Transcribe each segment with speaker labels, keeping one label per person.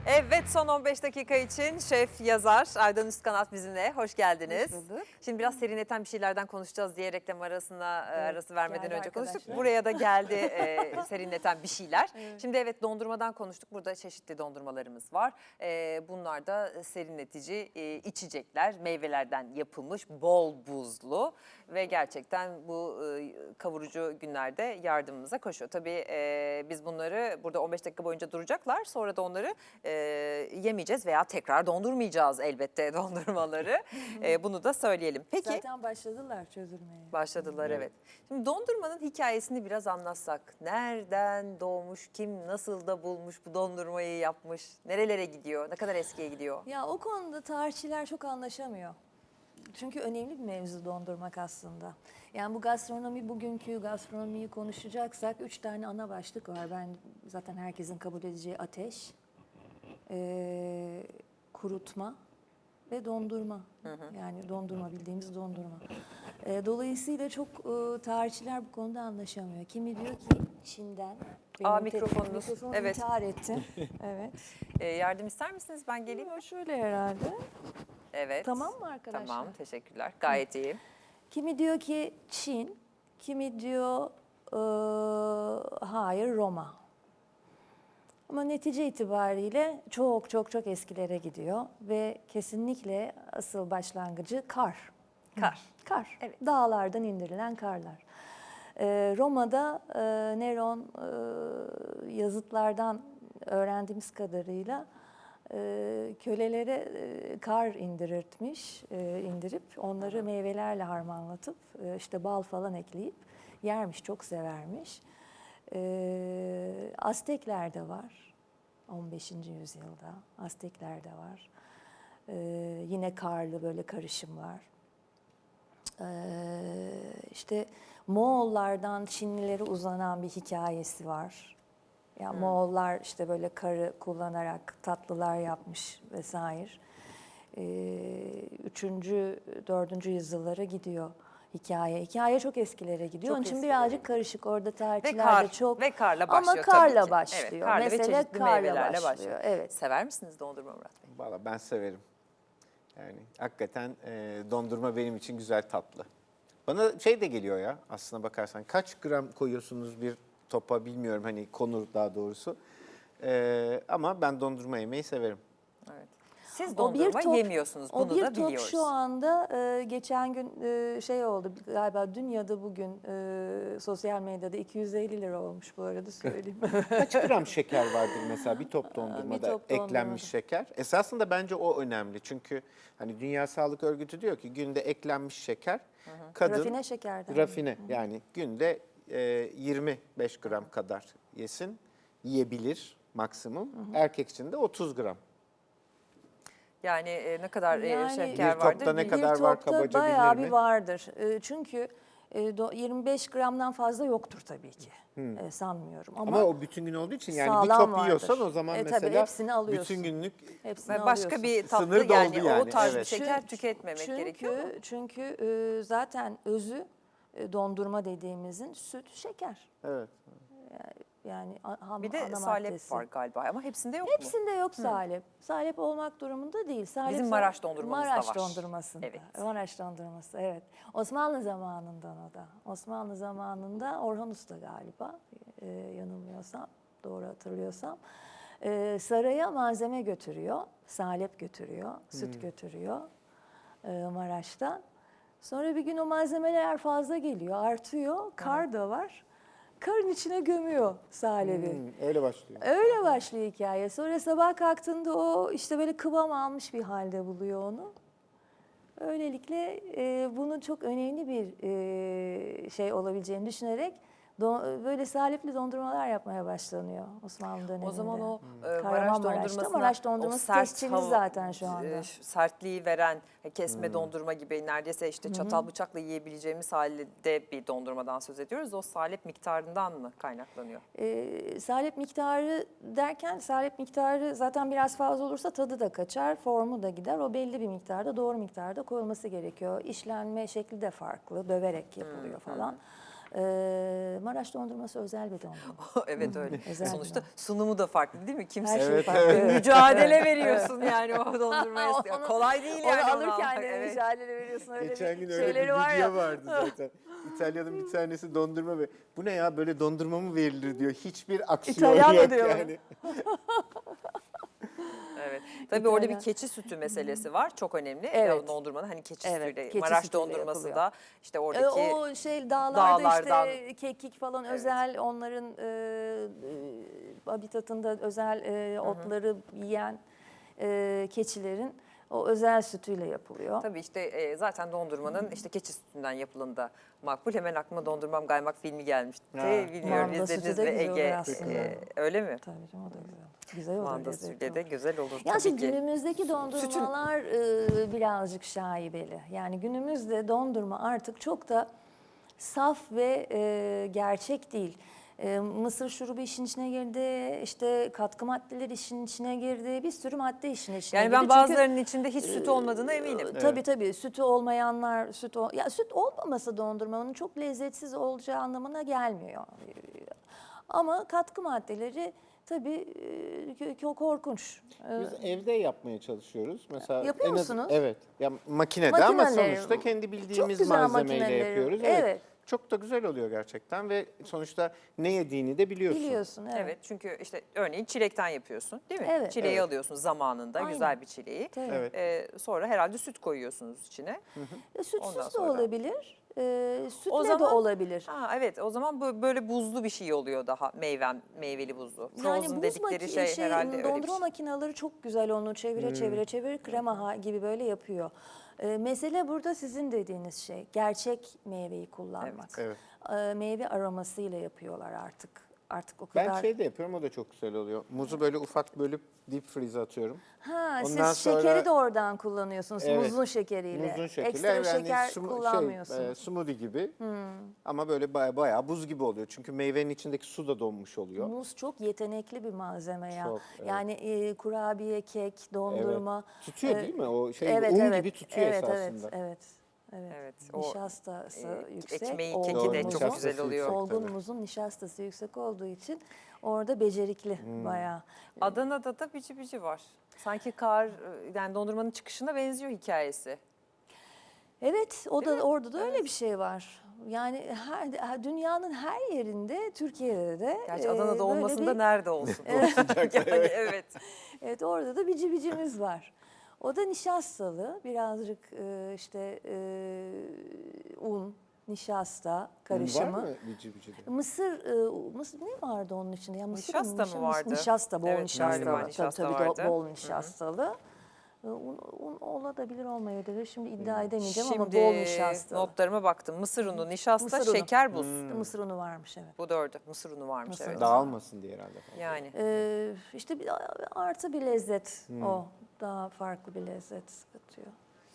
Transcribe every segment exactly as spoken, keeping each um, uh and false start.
Speaker 1: Evet, son on beş dakika için şef, yazar Aydan Üstkanat bizimle. Hoş geldiniz.
Speaker 2: Hoş bulduk.
Speaker 1: Şimdi biraz serinleten bir şeylerden konuşacağız diye reklam arasına evet, arası vermeden önce konuştuk.
Speaker 2: Arkadaşlar.
Speaker 1: Buraya da geldi e, serinleten bir şeyler.
Speaker 2: Evet.
Speaker 1: Şimdi evet, dondurmadan konuştuk. Burada çeşitli dondurmalarımız var. E, bunlar da serinletici e, içecekler. Meyvelerden yapılmış, bol buzlu ve gerçekten bu e, kavurucu günlerde yardımımıza koşuyor. Tabii e, biz bunları burada on beş dakika boyunca duracaklar. Sonra da onları e, yemeyeceğiz veya tekrar dondurmayacağız elbette dondurmaları. e, bunu da söyleyelim. Peki.
Speaker 2: Zaten başladılar çözülmeye.
Speaker 1: Başladılar evet. Şimdi dondurmanın hikayesini biraz anlatsak. Nereden doğmuş, kim nasıl da bulmuş bu dondurmayı yapmış, nerelere gidiyor, ne kadar eskiye gidiyor?
Speaker 2: Ya o konuda tarihçiler çok anlaşamıyor. Çünkü önemli bir mevzu dondurmak aslında. Yani bu gastronomi, bugünkü gastronomiyi konuşacaksak üç tane ana başlık var. Ben zaten herkesin kabul edeceği ateş, e, kurutma ve dondurma. Hı hı. Yani dondurma, bildiğimiz dondurma. E, dolayısıyla çok e, tarihçiler bu konuda anlaşamıyor. Kimi diyor ki Çin'den.
Speaker 1: Aa, mikrofonunuz.
Speaker 2: Mikrofonu
Speaker 1: Evet.
Speaker 2: intihar etti. Evet.
Speaker 1: E, yardım ister misiniz? Ben geleyim.
Speaker 2: Yok, şöyle herhalde.
Speaker 1: Evet.
Speaker 2: Tamam mı arkadaşlar?
Speaker 1: Tamam, teşekkürler. Gayet iyi.
Speaker 2: Kimi diyor ki Çin, kimi diyor e, hayır Roma. Ama netice itibariyle çok çok çok eskilere gidiyor ve kesinlikle asıl başlangıcı kar.
Speaker 1: Kar.
Speaker 2: Kar.
Speaker 1: Evet.
Speaker 2: Dağlardan indirilen karlar. E, Roma'da e, Neron e, yazıtlardan öğrendiğimiz kadarıyla e, kölelere e, kar indirirtmiş, e, indirip onları meyvelerle harmanlatıp e, işte bal falan ekleyip yermiş, çok severmiş. E, Aztekler de var. on beşinci yüzyılda Aztekler de var. E, yine karlı böyle karışımlar. E, işte Moğollardan Çinlilere uzanan bir hikayesi var. Yani hmm. Moğollar işte böyle karı kullanarak tatlılar yapmış vesaire. Ee, üçüncü, dördüncü yüzyıllara gidiyor hikaye. Hikaye çok eskilere gidiyor.
Speaker 1: Çok
Speaker 2: Onun için
Speaker 1: eskilere
Speaker 2: birazcık
Speaker 1: gidiyor.
Speaker 2: karışık. Orada tarihçiler
Speaker 1: Ve kar,
Speaker 2: de çok.
Speaker 1: ve karla başlıyor
Speaker 2: ama karla
Speaker 1: tabii ki.
Speaker 2: başlıyor.
Speaker 1: Evet, karla
Speaker 2: Mesele
Speaker 1: ve çeşitli
Speaker 2: karla
Speaker 1: meyvelerle
Speaker 2: başlıyor.
Speaker 1: başlıyor.
Speaker 2: Evet.
Speaker 1: Sever misiniz dondurma Murat Bey?
Speaker 3: Valla ben severim. Yani hakikaten e, dondurma benim için güzel tatlı. Bana şey de geliyor ya, aslına bakarsan kaç gram koyuyorsunuz bir topa bilmiyorum, hani konur daha doğrusu. E, ama ben dondurma yemeyi severim.
Speaker 1: Evet. Siz
Speaker 2: O
Speaker 1: dondurma
Speaker 2: bir top,
Speaker 1: yemiyorsunuz, bunu
Speaker 2: o bir
Speaker 1: da
Speaker 2: top
Speaker 1: biliyoruz.
Speaker 2: şu anda e, geçen gün e, şey oldu galiba, dün ya da bugün e, sosyal medyada iki yüz elli lira olmuş, bu arada söyleyeyim.
Speaker 3: Kaç gram şeker vardır mesela bir top dondurmada,
Speaker 2: Bir top
Speaker 3: eklenmiş
Speaker 2: dondurmada.
Speaker 3: şeker? Esasında bence o önemli, çünkü hani Dünya Sağlık Örgütü diyor ki günde eklenmiş şeker, hı hı. kadın
Speaker 2: Rafine şekerden.
Speaker 3: rafine hı hı. yani günde e, yirmi beş gram kadar yesin, yiyebilir maksimum. Hı hı. Erkek için de otuz gram.
Speaker 1: Yani e, ne kadar e,
Speaker 2: Yani
Speaker 1: şeker
Speaker 3: bir topta
Speaker 1: vardır?
Speaker 3: ne
Speaker 1: Bir-
Speaker 3: kadar
Speaker 2: bir
Speaker 3: var
Speaker 2: topta
Speaker 3: kabaca
Speaker 2: bayağı
Speaker 3: bilir
Speaker 2: bir
Speaker 3: mi?
Speaker 2: vardır. E, çünkü e, do- yirmi beş gramdan fazla yoktur tabii ki.
Speaker 3: Hmm.
Speaker 2: E, sanmıyorum. Ama,
Speaker 3: Ama o bütün gün olduğu için, yani bir
Speaker 2: sağlam
Speaker 3: top yiyorsan
Speaker 2: vardır.
Speaker 3: o zaman
Speaker 2: E, tabii
Speaker 3: mesela
Speaker 2: hepsini alıyorsun.
Speaker 3: bütün günlük
Speaker 2: hepsini
Speaker 1: Ve başka
Speaker 2: alıyorsun.
Speaker 1: bir tatlı
Speaker 3: Sınır doldu
Speaker 1: yani, o
Speaker 3: yani,
Speaker 1: tarz bir
Speaker 3: evet.
Speaker 1: şeker
Speaker 2: Çünkü-
Speaker 1: tüketmemek
Speaker 2: çünkü,
Speaker 1: gerekiyor mu?
Speaker 2: Çünkü e, zaten özü e, dondurma dediğimizin süt, şeker.
Speaker 3: evet.
Speaker 2: Yani a- ham,
Speaker 1: Bir de
Speaker 2: ana
Speaker 1: salep
Speaker 2: maddesi.
Speaker 1: var galiba ama hepsinde yok mu?
Speaker 2: Hepsinde yok salep. Salep olmak durumunda değil. Salep
Speaker 1: Bizim
Speaker 2: sa-
Speaker 1: Maraş dondurmamızda
Speaker 2: Maraş
Speaker 1: var.
Speaker 2: dondurmasında.
Speaker 1: Evet.
Speaker 2: Maraş dondurması, evet. Osmanlı zamanından o da. Osmanlı zamanında Orhan Usta galiba, e, yanılmıyorsam, doğru hatırlıyorsam. E, saraya malzeme götürüyor, salep götürüyor, süt götürüyor e, Maraş'tan. Sonra bir gün o malzemeler fazla geliyor, artıyor, kar da var. Karın içine gömüyor salebi.
Speaker 3: Hmm, öyle başlıyor.
Speaker 2: Öyle başlıyor hikaye. Sonra sabah kalktığında o işte böyle kıvam almış bir halde buluyor onu. Öylelikle e, bunun çok önemli bir e, şey olabileceğini düşünerek do- böyle salepli dondurmalar yapmaya başlanıyor Osmanlı döneminde.
Speaker 1: O zaman o e, Maraş
Speaker 2: Kahramanmaraş'ta.
Speaker 1: dondurmasına
Speaker 2: Maraş dondurması
Speaker 1: o sert
Speaker 2: tescilli
Speaker 1: hava-
Speaker 2: zaten şu anda.
Speaker 1: e, sertliği veren e, kesme dondurma gibi neredeyse işte çatal bıçakla yiyebileceğimiz halde bir dondurmadan söz ediyoruz. O salep miktarından mı kaynaklanıyor?
Speaker 2: E, salep miktarı derken, salep miktarı zaten biraz fazla olursa tadı da kaçar, formu da gider. O belli bir miktarda, doğru miktarda koyulması gerekiyor. İşlenme şekli de farklı, döverek yapılıyor falan. Ee, Maraş dondurması özel bir dondurma.
Speaker 1: Evet öyle.
Speaker 2: Özel
Speaker 1: Sonuçta
Speaker 2: bir
Speaker 1: sunumu da farklı değil mi? Kimse
Speaker 2: Her şey
Speaker 3: Evet,
Speaker 2: farklı.
Speaker 3: evet.
Speaker 1: mücadele veriyorsun yani o dondurmaya.
Speaker 2: Onu-
Speaker 1: Kolay değil
Speaker 2: Onu
Speaker 1: yani onu
Speaker 2: alırken
Speaker 1: almak.
Speaker 2: de
Speaker 1: Evet.
Speaker 2: mücadele veriyorsun. Öyle
Speaker 3: Geçen
Speaker 2: bir
Speaker 3: gün öyle bir
Speaker 2: şeyleri var
Speaker 3: video
Speaker 2: ya.
Speaker 3: vardı zaten. İtalya'nın bir tanesi dondurma ve bu ne ya böyle dondurma mı verilir diyor. Hiçbir aksiyon
Speaker 2: İtalyan mı
Speaker 3: yok
Speaker 2: diyor
Speaker 3: yani.
Speaker 1: Evet. Tabii orada bir
Speaker 2: İtalyan.
Speaker 1: keçi sütü meselesi var. Çok önemli.
Speaker 2: Evet.
Speaker 1: Ya dondurmanın hani keçi
Speaker 2: Evet,
Speaker 1: sütüyle.
Speaker 2: keçi
Speaker 1: Maraş
Speaker 2: sütüyle
Speaker 1: dondurması
Speaker 2: yapılıyor.
Speaker 1: da işte
Speaker 2: E,
Speaker 1: oradaki
Speaker 2: o şey dağlarda
Speaker 1: dağlardan-
Speaker 2: işte kekik falan
Speaker 1: Evet.
Speaker 2: özel onların e, e, habitatında özel e, otları yiyen e, keçilerin o özel sütüyle yapılıyor.
Speaker 1: tabii işte e, zaten dondurmanın işte keçi sütünden yapılanı da makbul. Hemen aklıma Dondurmam Kaymak filmi gelmişti.
Speaker 3: Ha.
Speaker 1: Bilmiyorum
Speaker 2: Manda sütü
Speaker 1: izlediniz
Speaker 2: de
Speaker 1: mi
Speaker 2: güzel olur
Speaker 1: Ege?
Speaker 2: aslında.
Speaker 1: e, öyle mi?
Speaker 2: Tabii canım o da güzel. Güzel olur.
Speaker 1: Manda
Speaker 2: lezzetli
Speaker 1: sütüyle de
Speaker 2: olur.
Speaker 1: güzel olur
Speaker 2: Ya
Speaker 1: tabii
Speaker 2: şimdi
Speaker 1: ki.
Speaker 2: günümüzdeki dondurmalar e, birazcık şaibeli. Yani günümüzde dondurma artık çok da saf ve e, gerçek değil. E, mısır şurubu işin içine girdi, işte katkı maddeleri işin içine girdi, bir sürü madde işin içine
Speaker 1: Yani
Speaker 2: girdi.
Speaker 1: ben
Speaker 2: Çünkü-
Speaker 1: bazılarının içinde hiç süt olmadığına eminim.
Speaker 2: ee, Tabii tabii sütü olmayanlar süt ol- ya süt olmaması dondurmanın çok lezzetsiz olacağı anlamına gelmiyor. Ee, Ama katkı maddeleri tabii e, kö- korkunç. Ee,
Speaker 3: Biz evde yapmaya çalışıyoruz. Mesela
Speaker 2: Yapıyor
Speaker 3: en az-
Speaker 2: musunuz?
Speaker 3: Evet. Ya makinede ama
Speaker 2: Makineleri,
Speaker 3: sonuçta kendi bildiğimiz
Speaker 2: güzel
Speaker 3: malzemeyle
Speaker 2: makineleri,
Speaker 3: yapıyoruz.
Speaker 2: evet.
Speaker 3: Çok da güzel oluyor gerçekten ve sonuçta ne yediğini de biliyorsun.
Speaker 2: Biliyorsun evet.
Speaker 1: Evet çünkü işte örneğin çilekten yapıyorsun değil mi?
Speaker 2: Evet.
Speaker 1: Çileği
Speaker 3: Evet.
Speaker 1: alıyorsun zamanında
Speaker 2: Aynen.
Speaker 1: güzel bir çileği.
Speaker 2: Tabii.
Speaker 3: Evet.
Speaker 1: Ee, sonra herhalde süt koyuyorsunuz içine.
Speaker 2: E, sütsüz
Speaker 1: Ondan
Speaker 2: de
Speaker 1: sonra-
Speaker 2: olabilir, e, sütle
Speaker 1: O
Speaker 2: de
Speaker 1: zaman-
Speaker 2: olabilir.
Speaker 1: Ha evet o zaman bu böyle buzlu bir şey oluyor daha meyvem meyveli buzlu. Frozen
Speaker 2: Yani buz
Speaker 1: dedikleri
Speaker 2: maki-
Speaker 1: şey,
Speaker 2: şey,
Speaker 1: herhalde öyle bir
Speaker 2: dondurma
Speaker 1: şey.
Speaker 2: makineleri çok güzel onu çevire
Speaker 3: Hmm.
Speaker 2: çevire çevire krema ha- gibi böyle yapıyor. Ee, mesele burada sizin dediğiniz şey gerçek meyveyi kullanmak.
Speaker 3: Evet.
Speaker 2: Ee, meyve aromasıyla yapıyorlar artık. Artık o kadar.
Speaker 3: Ben şey de yapıyorum o da çok güzel oluyor. Muzu böyle ufak bölüp deep freeze atıyorum.
Speaker 2: Ha,
Speaker 3: Ondan
Speaker 2: siz
Speaker 3: sonra-
Speaker 2: şekeri de oradan kullanıyorsunuz
Speaker 3: Evet.
Speaker 2: muzun şekeriyle.
Speaker 3: Muzun şekeri.
Speaker 2: Ekstra
Speaker 3: Yani
Speaker 2: şeker
Speaker 3: sumu-
Speaker 2: kullanmıyorsunuz.
Speaker 3: Şey, e, smoothie gibi ama böyle baya, bayağı buz gibi oluyor. Çünkü meyvenin içindeki su da donmuş oluyor.
Speaker 2: Muz çok yetenekli bir malzeme ya.
Speaker 3: Çok, evet.
Speaker 2: Yani e, kurabiye, kek, dondurma.
Speaker 3: Evet. Tutuyor
Speaker 2: e,
Speaker 3: değil mi? O şey
Speaker 2: evet,
Speaker 3: un
Speaker 2: evet,
Speaker 3: gibi tutuyor
Speaker 2: evet,
Speaker 3: esasında.
Speaker 2: Evet, evet. Evet.
Speaker 1: Evet, o,
Speaker 2: Nişastası
Speaker 1: e,
Speaker 2: yüksek.
Speaker 1: ekmeği,
Speaker 2: olgun
Speaker 1: keki de
Speaker 3: Doğru,
Speaker 1: çok
Speaker 2: muzun-
Speaker 1: güzel
Speaker 3: nişastası
Speaker 1: oluyor.
Speaker 3: yüksek.
Speaker 2: Olgun
Speaker 3: tabii.
Speaker 2: muzun nişastası yüksek olduğu için orada becerikli
Speaker 3: Hmm.
Speaker 2: bayağı.
Speaker 1: Adana'da da bici bici var. Sanki kar yani dondurmanın çıkışına benziyor hikayesi.
Speaker 2: Evet, o
Speaker 1: Değil
Speaker 2: da
Speaker 1: mi?
Speaker 2: orada da öyle
Speaker 1: Evet.
Speaker 2: bir şey var. Yani her, her- dünyanın her yerinde, Türkiye'de de
Speaker 1: Gerçi
Speaker 2: e,
Speaker 1: Adana'da
Speaker 2: böyle
Speaker 1: olmasın da
Speaker 2: bir-
Speaker 1: nerede olsun. yani evet.
Speaker 2: Evet, orada da bici bicimiz var. O da nişastalı, birazcık e, işte e, un, nişasta karışımı.
Speaker 3: Var mı bici bici de?
Speaker 2: Mısır, e, mısır ne vardı onun içinde? Ya mısır
Speaker 1: Nişasta mı
Speaker 2: nişa-
Speaker 1: vardı?
Speaker 2: Nişasta, bol
Speaker 1: Evet,
Speaker 2: nişastalı.
Speaker 1: galiba
Speaker 2: Tabii,
Speaker 1: nişasta
Speaker 2: tabii,
Speaker 1: vardı.
Speaker 2: do- bol nişastalı. E, Un, un olabilir olmayabilir. Şimdi iddia edemeyeceğim ama
Speaker 1: Şimdi
Speaker 2: bol nişastalı.
Speaker 1: notlarıma baktım. Mısır unu, nişasta,
Speaker 2: Mısır unu.
Speaker 1: şeker, buz.
Speaker 2: Mısır unu varmış evet.
Speaker 1: Bu dördü. Mısır unu varmış
Speaker 2: Mısır
Speaker 1: evet.
Speaker 2: unu.
Speaker 3: Dağılmasın diye herhalde.
Speaker 1: Yani.
Speaker 2: Ee, işte bir artı bir lezzet o. Daha farklı bir lezzet katıyor.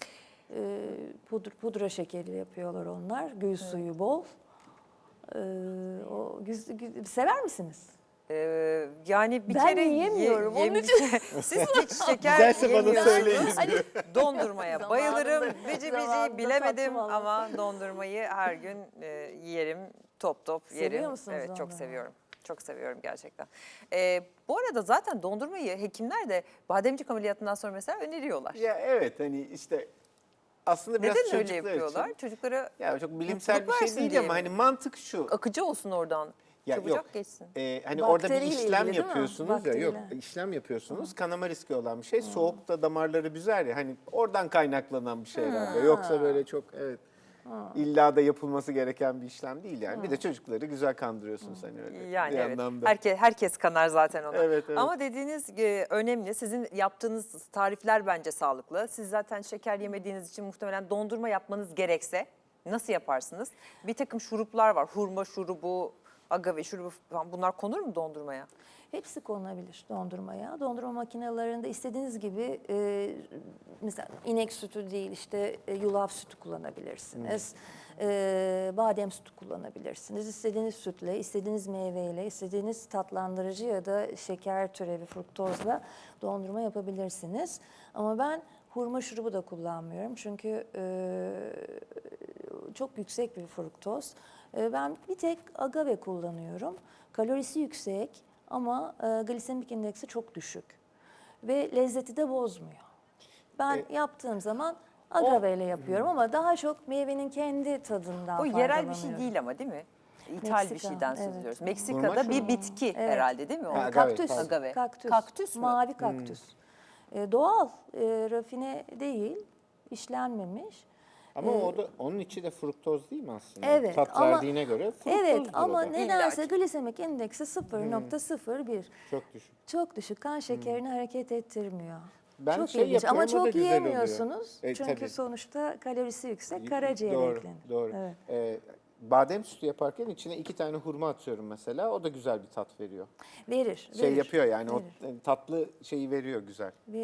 Speaker 2: Ee, pudra, pudra şekeri yapıyorlar onlar. Gül suyu bol. Ee, o güz, güz- sever misiniz?
Speaker 1: Ee, yani bir
Speaker 2: Ben
Speaker 1: kere
Speaker 2: yiyemiyorum, onun
Speaker 1: yem- Siz hiç şeker
Speaker 3: Güzelse bana
Speaker 1: yemiyorsunuz.
Speaker 3: söyleyin.
Speaker 2: Hani
Speaker 1: Dondurmaya
Speaker 2: Zamanında-
Speaker 1: bayılırım. Bici
Speaker 2: zamanında
Speaker 1: bici bilemedim
Speaker 2: tattım
Speaker 1: ama dondurmayı her gün e, yerim. Top top
Speaker 2: Seviyor
Speaker 1: yerim.
Speaker 2: musunuz
Speaker 1: Evet çok
Speaker 2: dondurmayı?
Speaker 1: seviyorum. Çok seviyorum gerçekten. Ee, bu arada zaten dondurmayı hekimler de bademcik ameliyatından sonra mesela öneriyorlar.
Speaker 3: Ya evet hani işte aslında biraz
Speaker 1: Neden öyle
Speaker 3: çocuklar
Speaker 1: yapıyorlar?
Speaker 3: için.
Speaker 1: Çocuklara
Speaker 3: Ya çok bilimsel
Speaker 1: mutluluk
Speaker 3: bir şey
Speaker 1: versin
Speaker 3: değil
Speaker 1: diye
Speaker 3: ama
Speaker 1: mi?
Speaker 3: hani mantık şu.
Speaker 1: akıcı olsun oradan.
Speaker 3: Ya
Speaker 1: Çabucak
Speaker 3: yok.
Speaker 1: geçsin.
Speaker 3: Ee, hani orada bir
Speaker 2: Bakteriyle
Speaker 3: işlem
Speaker 2: ilgili değil mi?
Speaker 3: yapıyorsunuz ya yok
Speaker 2: Bakteriyle.
Speaker 3: işlem yapıyorsunuz kanama riski olan bir şey soğukta damarları büzer ya hani oradan kaynaklanan bir şey herhalde yoksa böyle çok evet illa da yapılması gereken bir işlem değil yani bir de çocukları güzel kandırıyorsunuz hani öyle
Speaker 1: Yani
Speaker 3: bir
Speaker 1: evet.
Speaker 3: anlamda.
Speaker 1: Herkes, herkes kanar zaten ona.
Speaker 3: Evet, evet.
Speaker 1: Ama dediğiniz e, önemli. Sizin yaptığınız tarifler bence sağlıklı. Siz zaten şeker yemediğiniz için muhtemelen dondurma yapmanız gerekse nasıl yaparsınız? Bir takım şuruplar var. Hurma şurubu, agave şurubu falan. Bunlar konur mu dondurmaya?
Speaker 2: Hepsi konulabilir dondurmaya. Dondurma makinelerinde istediğiniz gibi e, mesela inek sütü değil işte e, yulaf sütü kullanabilirsiniz. E, badem sütü kullanabilirsiniz. İstediğiniz sütle, istediğiniz meyveyle, istediğiniz tatlandırıcı ya da şeker türevi fruktozla dondurma yapabilirsiniz. Ama ben hurma şurubu da kullanmıyorum. Çünkü e, çok yüksek bir fruktoz. E, ben bir tek agave kullanıyorum. Kalorisi yüksek ama e, glisemik indeksi çok düşük. Ve lezzeti de bozmuyor. Ben
Speaker 3: E,
Speaker 2: yaptığım zaman agave ile yapıyorum ama daha çok meyvenin kendi tadından
Speaker 1: O yerel bir şey
Speaker 2: faydalanıyorum.
Speaker 1: değil ama değil mi? İthal bir
Speaker 2: Meksika,
Speaker 1: şeyden söz
Speaker 2: evet.
Speaker 1: ediyoruz.
Speaker 3: Hurma
Speaker 1: Meksika'da
Speaker 3: şu
Speaker 1: bir
Speaker 3: mu?
Speaker 1: bitki
Speaker 2: Evet.
Speaker 1: herhalde değil mi? O?
Speaker 3: Ha, agave,
Speaker 2: Kaktüs.
Speaker 3: pardon.
Speaker 1: Agave.
Speaker 2: Kaktüs.
Speaker 1: Kaktüs mü?
Speaker 2: Mavi kaktüs. E, doğal, e, rafine değil, işlenmemiş.
Speaker 3: Ama
Speaker 2: Ee,
Speaker 3: o da onun içi de fruktoz değil mi aslında?
Speaker 2: Evet,
Speaker 3: Tat
Speaker 2: ama-
Speaker 3: verdiğine göre fruktozdur
Speaker 2: Evet
Speaker 3: o
Speaker 2: ama
Speaker 3: da.
Speaker 2: nedense
Speaker 1: İlla ki.
Speaker 2: glisemik indeksi sıfır nokta sıfır bir.
Speaker 3: Çok düşük.
Speaker 2: Çok düşük, kan şekerini hareket ettirmiyor.
Speaker 3: Ben
Speaker 2: çok
Speaker 3: şey
Speaker 2: ilginç ama
Speaker 3: yapıyorum, o da
Speaker 2: çok
Speaker 3: güzel oluyor.
Speaker 2: yiyemiyorsunuz.
Speaker 3: E,
Speaker 2: çünkü
Speaker 3: tabii.
Speaker 2: sonuçta kalorisi yüksek, karaciğere
Speaker 3: Doğru,
Speaker 2: eklenir.
Speaker 3: doğru.
Speaker 2: Evet.
Speaker 3: Ee, badem sütü yaparken içine iki tane hurma atıyorum mesela. O da güzel bir tat veriyor.
Speaker 2: Verir,
Speaker 3: Şey
Speaker 2: verir,
Speaker 3: yapıyor yani
Speaker 2: verir.
Speaker 3: o tatlı şeyi veriyor güzel.